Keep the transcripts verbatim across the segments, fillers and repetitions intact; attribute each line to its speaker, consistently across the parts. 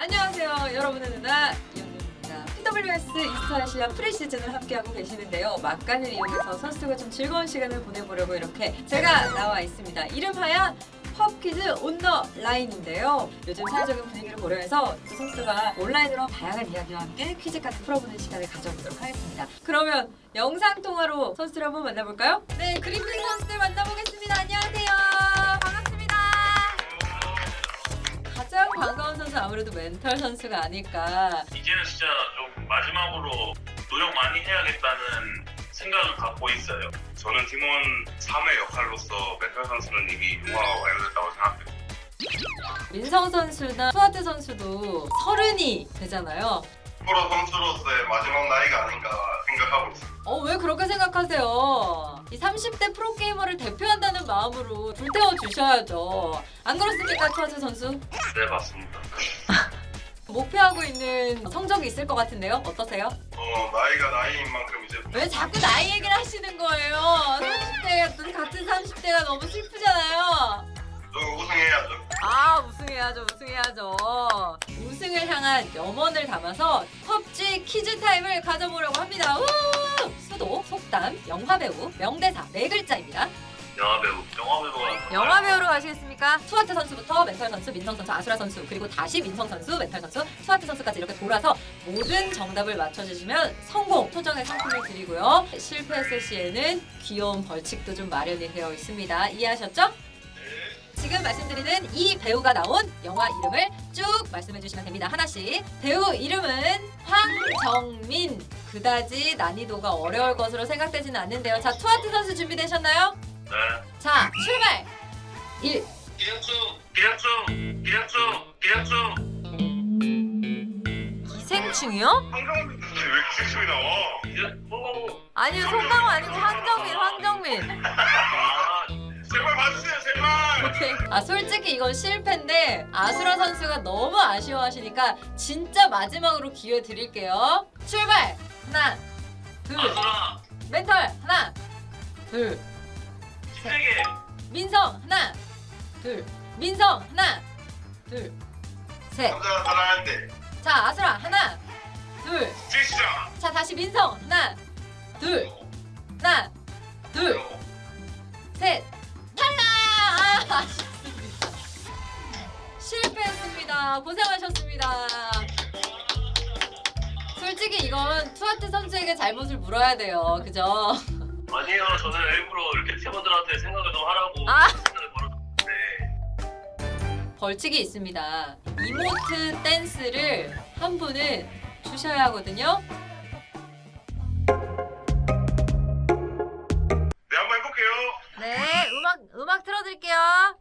Speaker 1: 안녕하세요. 여러분의 누나 이현우입니다. 피더블유에스 이스타아시아 프리시즌을 함께하고 계시는데요. 막간을 이용해서 선수가 좀 즐거운 시간을 보내보려고 이렇게 제가 나와 있습니다. 이름하여 펍퀴즈 온 더 라인인데요. 요즘 사회적인 분위기를 고려해서 두 선수가 온라인으로 다양한 이야기와 함께 퀴즈까지 풀어보는 시간을 가져보도록 하겠습니다. 그러면 영상통화로 선수를 한번 만나볼까요? 네, 그린필 선수들 만나보겠습니다. 안녕하세요. 반갑습니다. 가장 반가운 선수 아무래도 멘털 선수가 아닐까.
Speaker 2: 이제는 진짜 좀 마지막으로 노력 많이 해야겠다는 생각을 갖고 있어요.
Speaker 3: 저는 팀원 삼의 역할로서 멘탈 선수는 이미 융화가 완료됐다고 생각해요.
Speaker 1: 민성 선수나 수아트 선수도 서른이 되잖아요.
Speaker 3: 프로 선수로서의 마지막 나이가 아닌가 생각하고 있어요.
Speaker 1: 어, 왜 그렇게 생각하세요? 이 삼십 대 프로게이머를 대표한다는 마음으로 불태워 주셔야죠. 안 그렇습니까, 수아트 선수?
Speaker 2: 네, 맞습니다.
Speaker 1: 목표하고 있는 성적이 있을 것 같은데요? 어떠세요?
Speaker 3: 어, 나이가 나이인 만큼 이제
Speaker 1: 왜 자꾸 나이 얘기를 하시는 거예요? 삼십 대가 같은 삼십 대가 너무 슬프잖아요.
Speaker 3: 좀 우승해야죠.
Speaker 1: 아, 우승해야죠, 우승해야죠. 우승을 향한 염원을 담아서 펍지 퀴즈 타임을 가져보려고 합니다. 우! 수도, 속담, 영화배우, 명대사 네 글자입니다.
Speaker 2: 영화배우, 영화배우가
Speaker 1: 영화배우로 가시겠습니까? 수아트 선수부터 멘털 선수, 민성 선수, 아수라 선수, 그리고 다시 민성 선수, 멘털 선수, 수아트 선수까지 이렇게 돌아서 모든 정답을 맞춰주시면 성공! 토정의 상품을 드리고요. 실패했을 시에는 귀여운 벌칙도 좀 마련이 되어 있습니다. 이해하셨죠? 지금 말씀드리는 이 배우가 나온 영화 이름을 쭉 말씀해 주시면 됩니다. 하나씩. 배우 이름은 황정민. 그다지 난이도가 어려울 것으로 생각되지는 않는데요. 자, 투아트 선수 준비되셨나요?
Speaker 2: 네.
Speaker 1: 자, 출발! 일.
Speaker 2: 기량충, 기량충, 기량충, 기량충.
Speaker 1: 기생충이요?
Speaker 3: 황정민 선수 왜 기생충이 나와?
Speaker 2: 이제 성공.
Speaker 1: 아니요, 송강호 아니고 황정민, 황정민.
Speaker 2: 아,
Speaker 3: 제발 봐주세요, 제발.
Speaker 1: 오케이. 아, 솔직히 이건 실패인데 아수라 선수가 너무 아쉬워하시니까 진짜 마지막으로 기회 드릴게요. 출발! 하나, 둘.
Speaker 2: 아수라,
Speaker 1: 멘털 하나, 둘.
Speaker 2: 신세계,
Speaker 1: 민성 하나, 둘. 민성 하나, 둘, 셋.
Speaker 3: 남자가 사랑할 때
Speaker 1: 자, 아수라 하나, 둘.
Speaker 3: 지시자.
Speaker 1: 자, 다시 민성 하나, 둘. 하나, 둘, 셋. 탈락! 아, 아쉽습니다. 실패했습니다. 고생하셨습니다. 솔직히 이건 투아트 선수에게 잘못을 물어야 돼요. 그죠?
Speaker 2: 아니에요. 저는 일부러 이렇게 팀원들한테 생각을 좀 하라고
Speaker 1: 아.
Speaker 2: 시간을 벌어줬는데
Speaker 1: 벌칙이 있습니다. 이모트 댄스를 한 분은 주셔야 하거든요.
Speaker 3: 네, 한번 해볼게요.
Speaker 1: 네, 음악 음악 틀어드릴게요.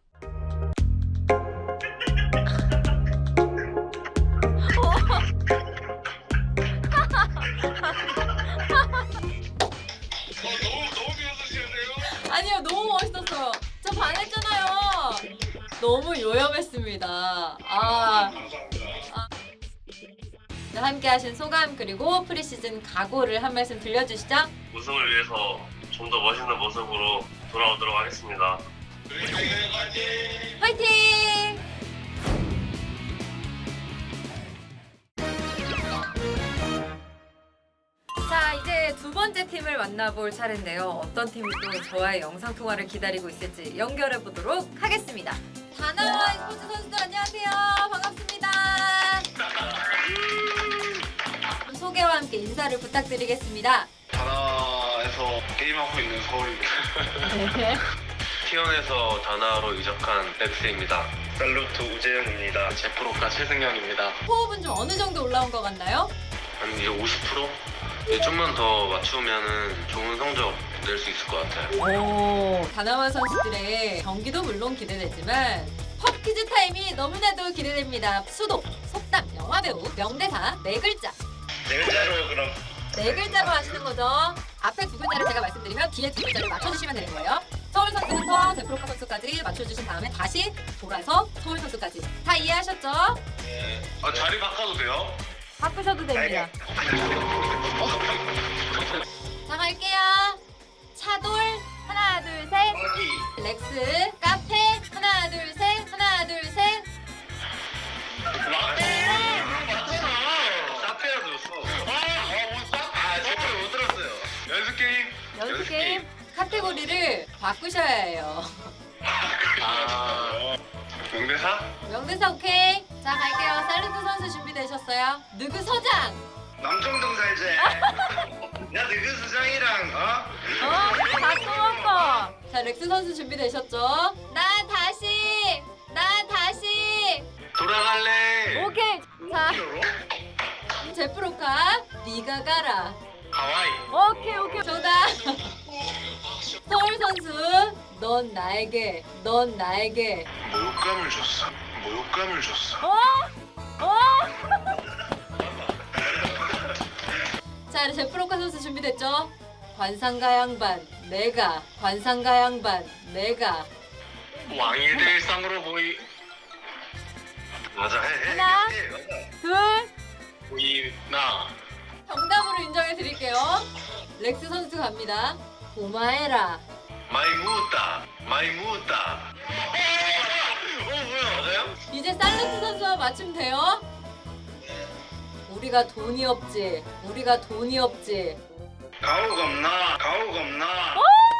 Speaker 3: 어, 너무 너무 비웃으시는데요?
Speaker 1: 아니요, 너무 멋있었어요. 저 반했잖아요. 너무 요염했습니다. 아,
Speaker 3: 감사합니다.
Speaker 1: 함께하신 소감 그리고 프리시즌 각오를 한 말씀 들려주시죠.
Speaker 2: 우승을 위해서 좀 더 멋있는 모습으로 돌아오도록 하겠습니다.
Speaker 1: 화이팅! 자, 이제 두 번째 팀을 만나볼 차례인데요. 어떤 팀이 또 저와의 영상 통화를 기다리고 있을지 연결해 보도록 하겠습니다. 다나와 스포츠 선수들 안녕하세요. 반갑습니다. 소개와 함께 인사를 부탁드리겠습니다.
Speaker 3: 다나에서 게임하고 있는 서울입니다.
Speaker 4: 티원에서 다나로 이적한 렉스입니다.
Speaker 3: 살루트 우재영입니다.
Speaker 4: 제프로카 최승현입니다.
Speaker 1: 호흡은 좀 어느 정도 올라온 것 같나요?
Speaker 4: 한 이제 오십 퍼센트? 이제 좀만 더 맞추면은 좋은 성적 낼 수 있을 것 같아요.
Speaker 1: 오, 다나와 선수들의 경기도 물론 기대되지만 펍퀴즈 타임이 너무나도 기대됩니다. 수도, 속담, 영화배우, 명대사 네 글자.
Speaker 3: 네 글자로요, 그럼.
Speaker 1: 네 글자로 하시는 거죠. 앞에 두 글자를 제가 말씀드리면 뒤에 두 글자를 맞춰주시면 되는 거예요. 서울 선수부터 제프로카 선수까지 맞춰주신 다음에 다시 돌아서 서울 선수까지. 다 이해하셨죠?
Speaker 3: 아, 자리 바꿔도 돼요?
Speaker 1: 바꾸셔도 됩니다. 자, 갈게요. 차돌 하나 둘 셋. 렉스 카페 하나 둘 셋. 하나 둘 셋.
Speaker 3: 라떼.
Speaker 1: 맞춰야 해요.
Speaker 4: 아,
Speaker 3: 명대사?
Speaker 1: 명대사 오케이. 자 갈게요. 샐러드 선수 준비되셨어요? 누구 서장?
Speaker 3: 남정동 살지? 야 너그 수장이랑 어?
Speaker 1: 어? 다 써먹고. 자 렉스 선수 준비되셨죠? 나 다시. 나 다시.
Speaker 4: 돌아갈래.
Speaker 1: 오케이. 자 제프로카. 네가 가라.
Speaker 4: 하와이.
Speaker 1: 오케이 오케이. 정답. 서울 선수. 넌 나에게. 넌 나에게.
Speaker 3: 모욕감을 줬어. 모욕감을 줬어.
Speaker 1: 어? 어? 자, 제프로카 선수 준비됐죠? 관상가 양반, 내가. 관상가 양반, 내가.
Speaker 4: 왕이 될 상으로 보이
Speaker 3: 맞아 해 해.
Speaker 1: 하나.
Speaker 3: 해, 해, 맞아.
Speaker 1: 둘.
Speaker 4: 보이나.
Speaker 1: 정답으로 인정해 드릴게요. 렉스 선수 갑니다. 고마해라.
Speaker 4: 마이 무다. 마이 무다. 어 뭐야? 맞아요?
Speaker 1: 이제 살루트 선수와 맞추면 돼요. 우리가 돈이 없지. 우리가 돈이 없지.
Speaker 3: 가오가 없나? 가오가 없나?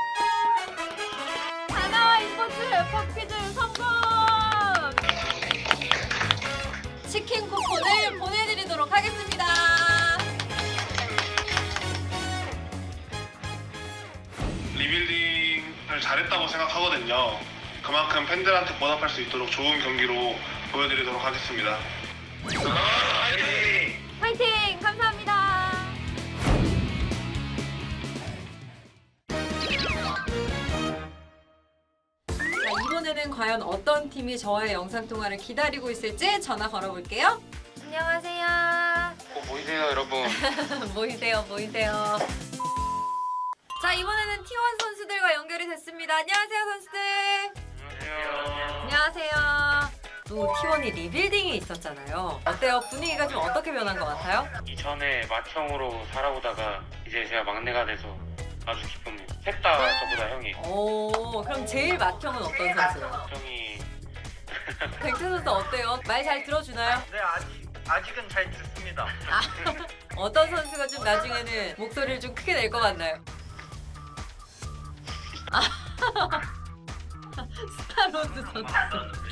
Speaker 1: 하나와 스포츠 팝퀴즈 성공! 치킨 쿠폰을 보내드리도록 하겠습니다.
Speaker 5: 리빌딩을 잘했다고 생각하거든요. 그만큼 팬들한테 보답할 수 있도록 좋은 경기로 보여드리도록 하겠습니다.
Speaker 1: 화이팅! 감사합니다. 자, 이번에는 과연 어떤 팀이 저와의 영상통화를 기다리고 있을지 전화 걸어볼게요. 안녕하세요.
Speaker 4: 어 보이세요 여러분?
Speaker 1: 모이세요, 모이세요. 자, 이번에는 티원 선수들과 연결이 됐습니다. 안녕하세요, 선수들.
Speaker 4: 안녕하세요.
Speaker 1: 안녕하세요. 또 티원이 리빌딩이 있었잖아요. 어때요? 분위기가 좀 어떻게 변한 것 같아요?
Speaker 6: 이전에 맏형으로 살아오다가 이제 제가 막내가 돼서 아주 기쁩니다. 셋 다 저보다 형이.
Speaker 1: 오, 그럼 제일 맏형은 어떤 선수예요?
Speaker 6: 형이
Speaker 1: 뱅채 선수 어때요? 말 잘 들어주나요?
Speaker 7: 네, 아직 아직은 잘 듣습니다.
Speaker 1: 아, 어떤 선수가 좀 나중에는 목소리를 좀 크게 낼 것 같나요? 아, 스타로드 선수.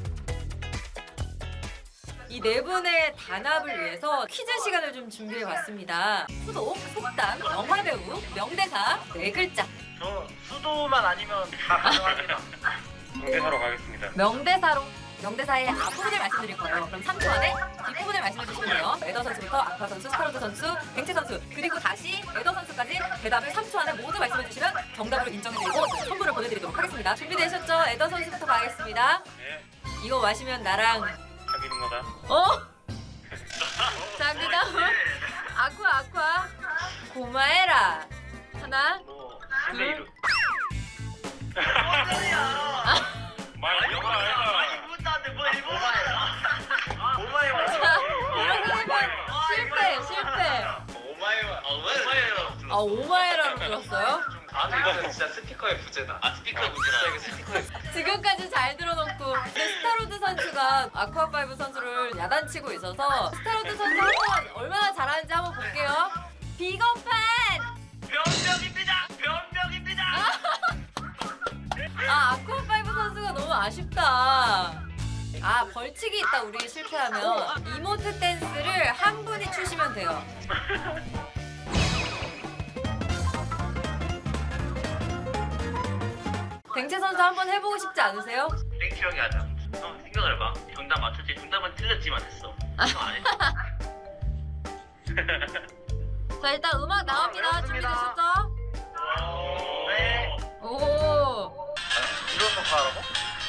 Speaker 1: 이 네 분의 단합을 위해서 퀴즈 시간을 좀 준비해봤습니다. 수도, 속담, 영화배우, 명대사, 네 글자.
Speaker 7: 저 수도만 아니면 다 가능합니다.
Speaker 6: 명대사로 가겠습니다.
Speaker 1: 명대사로. 명대사의 앞부분을 말씀드릴 거예요. 그럼 삼 초 안에 뒷부분을 말씀해 주시면 돼요. 에더 선수부터 아쿠아 선수, 스타로드 선수, 뱅채 선수, 그리고 다시 에더 선수까지 대답을 삼 초 안에 모두 말씀해 주시면 정답으로 인정해드리고 선물을 보내드리도록 하겠습니다. 준비되셨죠? 에더 선수부터 가겠습니다.
Speaker 6: 네,
Speaker 1: 이거 마시면 나랑
Speaker 6: 사귀는 거다.
Speaker 1: 어? 자, 그 다음 아쿠아 아쿠아 고마해라. 하나
Speaker 6: 뭐 신내 이름.
Speaker 7: 아,
Speaker 6: 말 영화 알가.
Speaker 7: 이분한테 뭐 일본어야? 오마이와.
Speaker 1: 자, 이렇게 되면 실패 실패.
Speaker 7: 오마이와. 오마이와.
Speaker 1: 아 오마해라로 들었어요?
Speaker 7: 아, 이거는 진짜 스피커의 부재다. 아, 스피커 문제다. 이거 스피커의.
Speaker 1: 지금까지 잘 들어놓고 근데 스타로드 선수가 아쿠아파이브 선수를 야단치고 있어서 스타로드 선수 한번 얼마나 잘하는지 한번 볼게요. 비건판!
Speaker 7: 변명입니다. 변명입니다.
Speaker 1: 아 아쿠아파이브 선수가 너무 아쉽다. 아 벌칙이 있다. 우리 실패하면 이모트 댄스를 한 분이 추시면 돼요. 뱅채 선수 한번 해보고 싶지 않으세요?
Speaker 7: 땡큐 형이 하자. 형 생각을 해봐. 정답 맞췄지. 정답은 틀렸지만 했어. 형안 했어.
Speaker 1: 자 일단 음악 나옵니다. 준비되셨죠?
Speaker 7: 네.
Speaker 1: 오.
Speaker 7: 이런 거 하라고?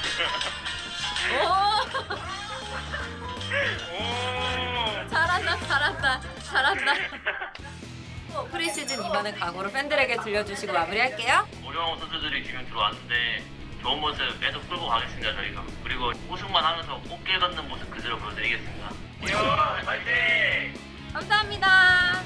Speaker 1: 오. 잘한다 잘한다 잘한다. 어, 프리시즌 이번엔 각오로 팬들에게 들려주시고 마무리할게요.
Speaker 6: 오령호 선수들이 지금 들어왔는데 좋은 모습 계속 끌고 가겠습니다 저희가. 그리고 우승만 하면서 꽃게 걷는 모습 그대로 보여드리겠습니다.
Speaker 7: 야, 파이팅!
Speaker 1: 감사합니다.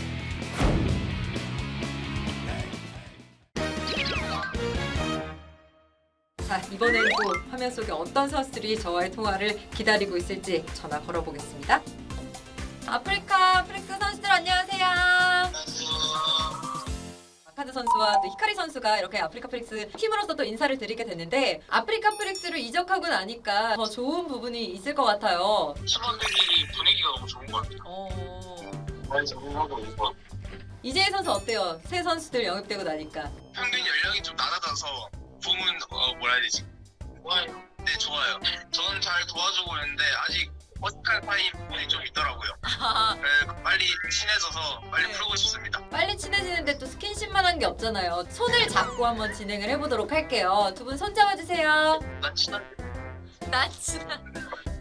Speaker 1: 자 이번엔 또 화면 속에 어떤 선수들이 저와의 통화를 기다리고 있을지 전화 걸어보겠습니다. 아프리카 프릭스 선수들 안녕하세요. 아카드 선수와 또 히카리 선수가 이렇게 아프리카 프릭스 팀으로서 또 인사를 드리게 됐는데 아프리카 프릭스로 이적하고 나니까 더 좋은 부분이 있을 것 같아요.
Speaker 3: 팀원들이 분위기가 너무 좋은 것 같아요.
Speaker 1: 어...
Speaker 3: 많이 적응하고 있는 것 같아요.
Speaker 1: 이재희 선수 어때요? 새 선수들 영입되고 나니까.
Speaker 3: 평균 연령이 좀 낮아져서 붐은 어, 뭐라 해야 되지? 좋아요. 네, 좋아요. 저는 잘 도와주고 있는데 아직 어색한 사이 분이 좀 있더라고요. 네, 빨리 친해져서 빨리
Speaker 1: 네.
Speaker 3: 풀고 싶습니다.
Speaker 1: 빨리 친해지는데 또 스킨십만 한 게 없잖아요. 손을 잡고 한번 진행을 해보도록 할게요. 두 분 손 잡아주세요.
Speaker 3: 난 친한
Speaker 1: 난 친한.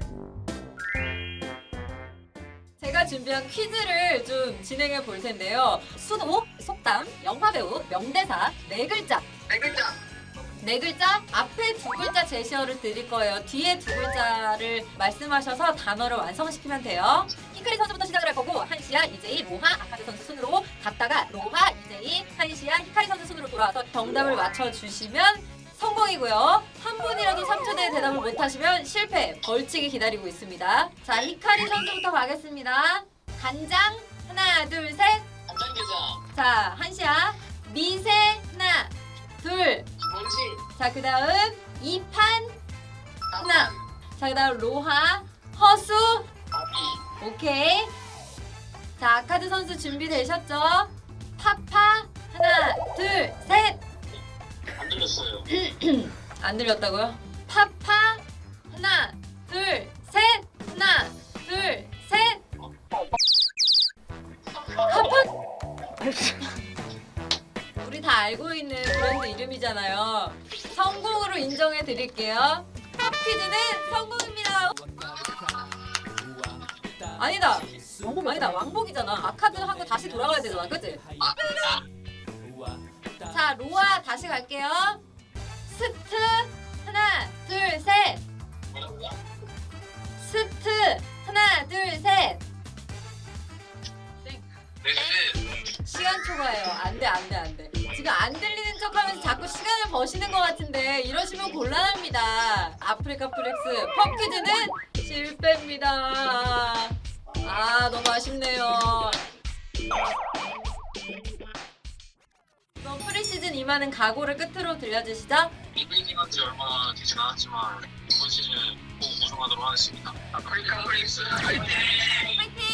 Speaker 1: 제가 준비한 퀴즈를 좀 진행해 볼 텐데요. 수도, 속담, 영화배우, 명대사, 네 글자.
Speaker 3: 네 글자.
Speaker 1: 네 글자, 앞에 두 글자 제시어를 드릴 거예요. 뒤에 두 글자를 말씀하셔서 단어를 완성시키면 돼요. 히카리 선수부터 시작을 할 거고 한시야, 이재희, 로하, 아카드 선수 순으로 갔다가 로하, 이재희, 한시야, 히카리 선수 순으로 돌아와서 정답을 맞춰주시면 성공이고요. 한 분이라도 삼 초 내에 대답을 못하시면 실패, 벌칙이 기다리고 있습니다. 자, 히카리 선수부터 가겠습니다. 간장, 하나, 둘, 셋.
Speaker 3: 간장게장.
Speaker 1: 자, 한시야, 미세, 하나, 둘.
Speaker 3: 뭔지.
Speaker 1: 자, 그 다음 이판 하나. 자, 그 다음 로하 허수. 오케이. 자, 아카드 선수 준비되셨죠? 파파 하나 둘 셋.
Speaker 3: 안 들렸어요.
Speaker 1: 안 들렸다고요? 파파 하나 둘 셋. 하나 둘 셋. 파파. 우리 다 알고 있는 브랜드 이름이잖아요. 성공으로 인정해 드릴게요. 팝 퀴즈는 성공입니다. 아니다. 아니다. 왕복이잖아. 아카드 한 거 다시 돌아가야 되잖아. 그치? 자, 로아 다시 갈게요. 스트 하나 둘 셋. 스트 하나 둘 셋. 시간 초과해요. 안 돼, 안 돼, 안 돼. 지금 안 들리는 척 하면서 자꾸 시간을 버시는 것 같은데 이러시면 곤란합니다. 아프리카 프릭스 팝 퀴즈는 실패입니다. 아, 너무 아쉽네요. 이번 프리시즌 임하는 각오를 끝으로 들려주시죠.
Speaker 3: 이벤팅 한지 얼마 되진 않았지만 이번 시즌 꼭 우승하도록 하겠습니다. 아프리카 프릭스 화이팅!
Speaker 1: 화이팅!